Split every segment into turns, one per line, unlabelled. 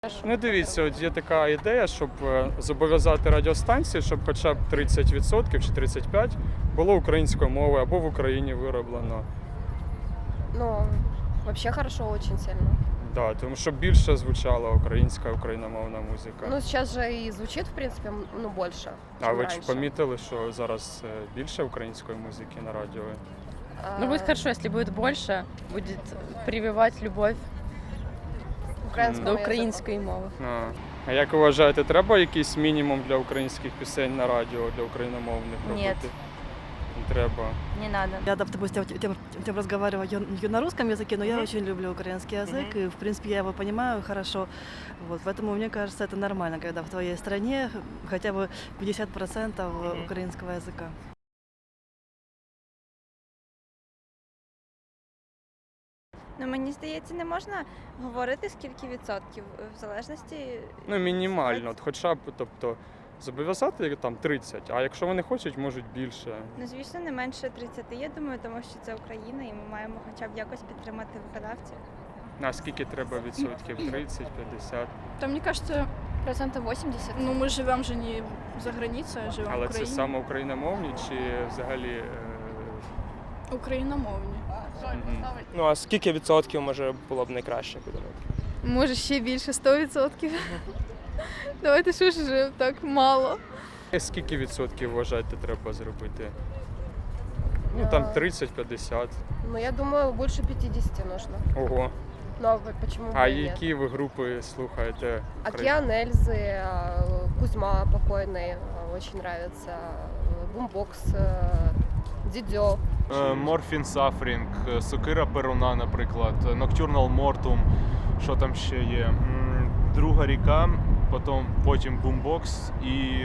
Ну, дивіться, от є така ідея, щоб зобов'язати радіостанції, щоб хоча б 30% чи 35% було українською мовою або в Україні вироблено.
Ну, вообще хорошо очень сильно.
Да, тому що більше звучала україномовна музика.
Ну, сейчас же и звучит, в принципе, ну, больше,
А
чем
ви
раньше.
ж помітили, що зараз більше української музики на радіо?
Ну, будет хорошо, если будет больше, будет прививать любовь
Українському
до
язику.
української мови.
А як ви вважаєте, треба якийсь мінімум для українських пісень на радіо, для україномовних робити?
Нет.
Не треба.
Не надо.
Я, допустим, разговариваю на русском языке, но я очень люблю украинский язык, и, в принципе, я его понимаю хорошо. Вот, поэтому мне кажется, это нормально, когда в твоей стране хотя бы 50% украинского языка.
Ну, мені здається, не можна говорити скільки відсотків в залежності.
Ну, мінімально, от хоча б, тобто, зобов'язати там 30, а якщо вони хочуть, можуть більше.
Ну, звісно, не менше 30, я думаю, тому що це Україна, і ми маємо хоча б якось підтримати виконавців.
А скільки треба відсотків? 30, 50?
Да, мне кажется,
80%.
ну мы живем же не за границей, а живем в
Але це
Україні.
саме україномовні чи взагалі?
Україномовні.
Ну а скільки відсотків може було б найкраще, як ви думаєте?
Може ще більше 100%. Давайте що ж вже так мало.
Скільки відсотків вважаєте треба зробити? Ну там 30-50.
Ну, я думаю, больше 50 нужно.
Ого.
Ну, а почему бы
А
и нет?
які ви групи слухаєте?
Океан Эльзы, Кузьма покойный, очень нравится, Бумбокс, Дидё.
Морфін Сафрінг, Сокира Перуна, наприклад, Nocturnal Mortum, що там ще є? Друга ріка, потім Бумбокс і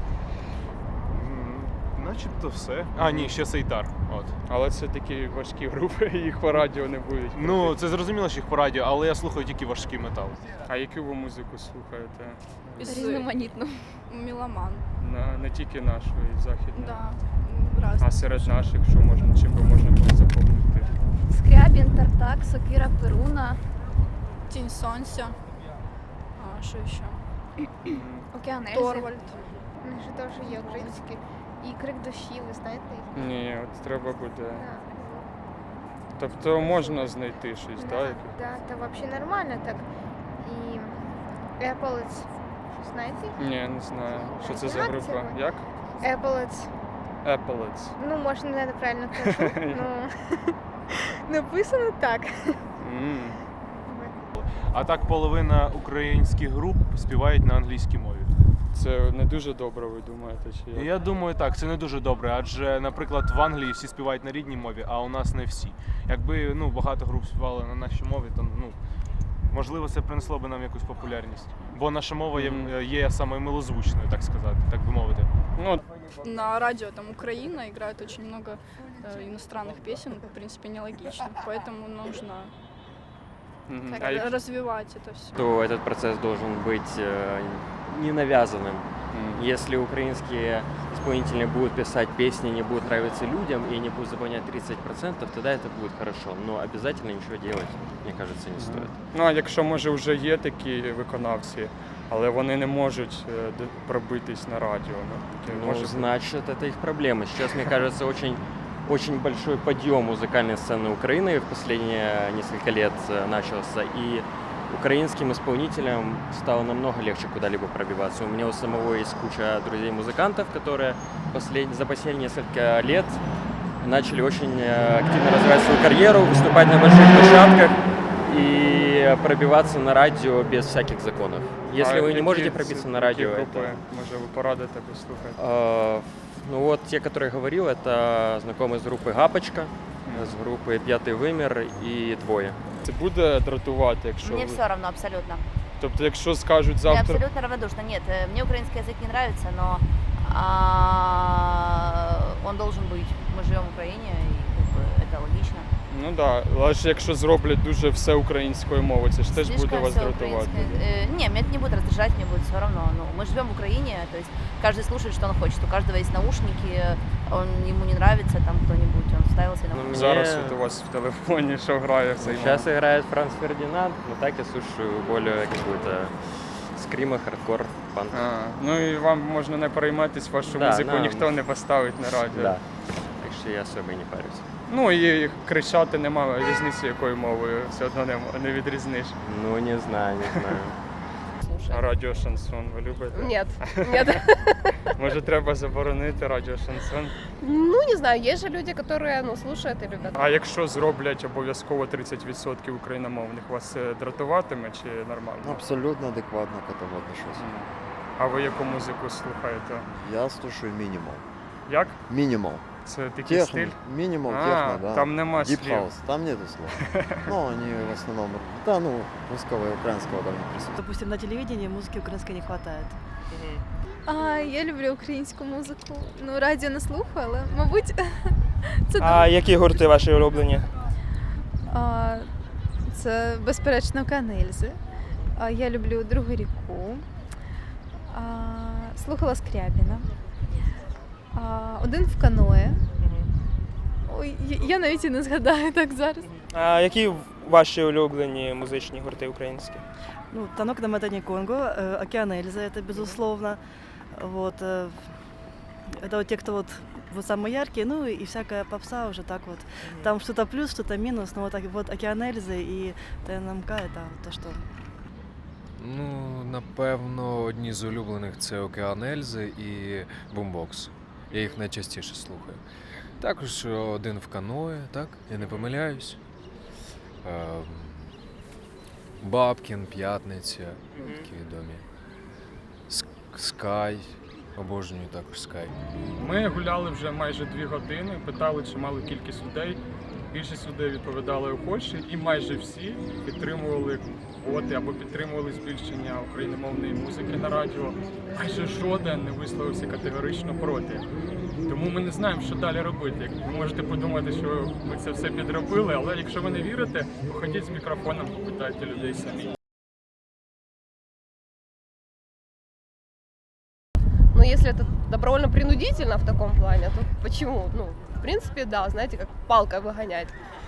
начебто все. А, ні, ще Сейтар. От.
Але це такі важкі групи, їх по радіо не будуть.
Ну,
крутити.
це зрозуміло, що їх по радіо, але я слухаю тільки важкий метал.
А яку ви музику слухаєте?
Різноманітно.
Меломан.
Не тільки нашу, і західну.
Да.
А
Разные.
серед наших, що можна, чим би можна було запомнити?
Скрябін, Тартак, Сокира, Перуна,
Тень Сонця. А, що ще?
Океан Ельзи.
Торвальд.
Що теж є українські. І крик душі, ви знаєте їх?
Ні, от треба буде. Тобто можна знайти щось, так?
Да, це взагалі нормально так. І Еполец, знаєте?
Ні, не знаю. Що це за
Як
група?
це?
Як?
Еполец.
Appalachian.
Ну, може, не правильно кажу. Написано так.
А так половина українських груп співають на англійській мові.
Це не дуже добре, ви думаєте, чи як?
Я думаю, так, це не дуже добре, адже, наприклад, в Англії всі співають на рідній мові, а у нас не всі. Якби багато груп співали на нашій мові, то можливо це принесло б нам якусь популярність. Бо наша мова є самою милозвучною, так сказати, так би мовити.
Ну,
На радио там Украина играет очень много иностранных песен, в принципе, нелогично. Поэтому нужно развивать это все.
То этот процесс должен быть не навязанным. Если украинские исполнители будут писать песни, не будут нравиться людям и не будут заполнять 30%, тогда это будет хорошо. Но обязательно ничего делать, мне кажется, не стоит.
Ну, а якщо, може, вже є такі виконавці, але вони не можуть пробитись на радіо.
Ну, значит, это их проблема. Сейчас, мне кажется, очень большой подъем музыкальной сцены Украины в последние несколько лет начался. И украинским исполнителям стало намного легче куда-либо пробиваться. У меня у самого есть куча друзей-музыкантов, которые за последние несколько лет начали очень активно развивать свою карьеру, выступать на больших площадках и пробиваться на радио без всяких законов. Если вы не можете пробиться на радио,
групи, може, ви порадите послухати?
Ну вот те, которые я говорил, это знакомые с группы «Гапочка», с группы «П'ятий вимір» и «Двоє».
Це буде дратувати, якщо
Мне
ви...
все равно, абсолютно.
Тобто, якщо скажуть
Я
завтра...
абсолютно равнодушна. Нет, мне украинский язык не нравится, но он должен быть. Мы живем в Украине, и это логично.
Ну так, да. Але ж якщо зроблять дуже все українською мовою, це ж теж буде
Слишком
вас
всё
дратувати.
украинское. Не, меня это не будет раздражать, мне будет все равно. Ну, мы живем в Украине, то есть каждый слушает, что он хочет. У каждого есть наушники, ему не нравится там кто-нибудь, он вставил себе наушники.
Зараз от у вас в телефоні що грає в цей момент?
Сейчас играет Франц Фердинанд, но так я слушаю более какую-то скрима, хардкор, панк.
Ну і вам можна не перейматись, вашу
Да,
музику
нам-
ніхто не поставить на радіо.
Да. Так что я особо и не парюсь.
Ну і кричати немає різниці, якою мовою все одно не відрізниш.
Ну, не знаю, не знаю.
А радіо шансон ви любите?
Нет, нет.
Може треба заборонити радіо шансон?
Ну, не знаю, есть же люди, которые, ну, слушают и любят.
А якщо зроблять обов'язково 30% україномовних, вас це дратуватиме чи нормально?
Абсолютно адекватно к этому отношусь.
А ви яку музику слухаєте?
Я слушаю минимал.
Як?
Минимал.
Це такий
Техно.
стиль?
Минимал,
А,
техно, да.
там нема
Deep
слів.
House. Там нету слов. Ну, они в основном, да, ну, русского и украинского там не присутствует.
Допустим, на телевидении музыки украинской не хватает.
Я люблю українську музику. Ну, радіо не слухаю, але, мабуть, це
А які гурти ваші улюблені?
це безперечно Канельзи. Я люблю Другу ріку. Слухала Скрябіна. Один в каное. Ой, я навіть і не згадаю так зараз.
А які ваші улюблені музичні гурти українські?
Ну, «Танок на Матане Конго», «Океан Эльзы» — это безусловно. Вот, это вот те, кто вот самые яркие, ну и всякая попса уже так вот. Там что-то плюс, что-то минус, но вот, вот «Океан Эльзы» и ТНМК — это то, что...
Ну, напевно, одні з улюблених це «Океан Ельзи» і «Бумбокс». Я їх найчастіше слухаю. Також один в каное, так? Я не помиляюсь. Бабкін, П'ятниця, такі відомі. Скай, обожнюю також Скай.
Ми гуляли вже майже 2 години, питали чималу кількість людей. Більшість людей відповідали охоче, і майже всі підтримували квоти або підтримували збільшення україномовної музики на радіо. Майже жоден не висловився категорично проти. Тому ми не знаємо, що далі робити. Ви можете подумати, що ми це все підробили, але якщо ви не вірите, походіть з мікрофоном, попитайте людей самі.
Но если это добровольно-принудительно в таком плане, то почему? Ну, в принципе, да, знаете, как палкой выгонять.